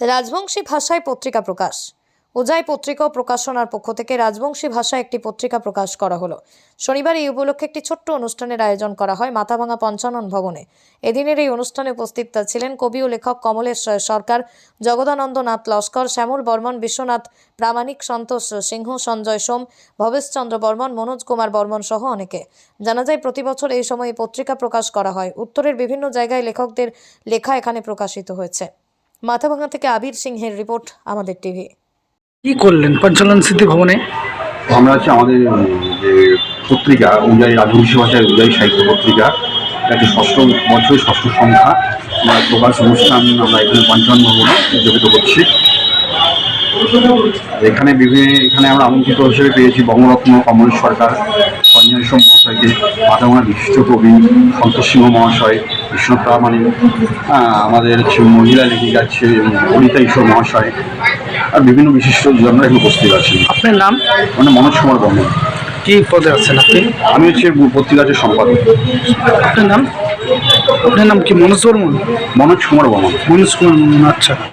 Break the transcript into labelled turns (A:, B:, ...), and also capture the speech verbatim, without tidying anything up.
A: রাজবংশী ভাষায় পত্রিকা প্রকাশ। উজাই পত্রিকা ও প্রকাশনার পক্ষ থেকে রাজবংশী ভাষায় একটি পত্রিকা প্রকাশ করা হলো। শনিবার এই উপলক্ষে একটি ছোট্ট অনুষ্ঠানের আয়োজন করা হয় মাথাভাঙা পঞ্চানন ভবনে। এদিনের এই অনুষ্ঠানে উপস্থিত ছিলেন কবি ও লেখক কমলেশ সরকার, জগদানন্দ নাথ লস্কর, শ্যামল বর্মন, বিশ্বনাথ প্রামাণিক, সন্তোষ সিংহ, সঞ্জয় সোম, ভবেশচন্দ্র বর্মন, মনোজ কুমার বর্মন সহ অনেকে। জানা যায় প্রতি বছর এই সময়ে পত্রিকা প্রকাশ করা হয়। উত্তরের বিভিন্ন জায়গায় লেখকদের লেখা এখানে প্রকাশিত হয়েছে। মাথাভাঙা থেকে আবির সিংহের রিপোর্ট, আমাদের টিভি।
B: কি করলেন পঞ্চানন স্মৃতি ভবনে?
C: আমরা হচ্ছে আমাদের যে পত্রিকা উজাই রাজবংশী ভাষায় উজাই সাহিত্য পত্রিকা, এটা হচ্ছে ষষ্ঠ বছর ষষ্ঠ সংখ্যা। আমরা প্রকাশ অনুষ্ঠান আমরা এখানে পঞ্চানন ভবনে উদযাপিত করছি। এখানে বিভিন্ন এখানে আমরা আমন্ত্রিত হিসেবে পেয়েছি বঙ্গরত্ন কমলেশ সরকার, সঞ্জয় সোম মহাশয়কে, মাথাভাঙার বিশিষ্ট কবি সন্তোষ সিংহ মহাশয়, বিশ্বনাথ প্রামাণিক, আমাদের হচ্ছে মহিলা লেখিকা আছে অনিতা ঈশ্বর মহাশয়, আর বিভিন্ন বিশিষ্ট জনরা এখানে উপস্থিত আছেন।
B: আপনার নাম?
C: মানে মনোজ কুমার বর্মন।
B: কি পদে আছেন আপনি?
C: আমি হচ্ছে পত্রিকার সম্পাদক।
B: আপনার নাম? আপনার নাম কি? মনোজ বর্মন?
C: মনোজ কুমার বর্মন।
B: মনোজ কুমার বর্মন, আচ্ছা।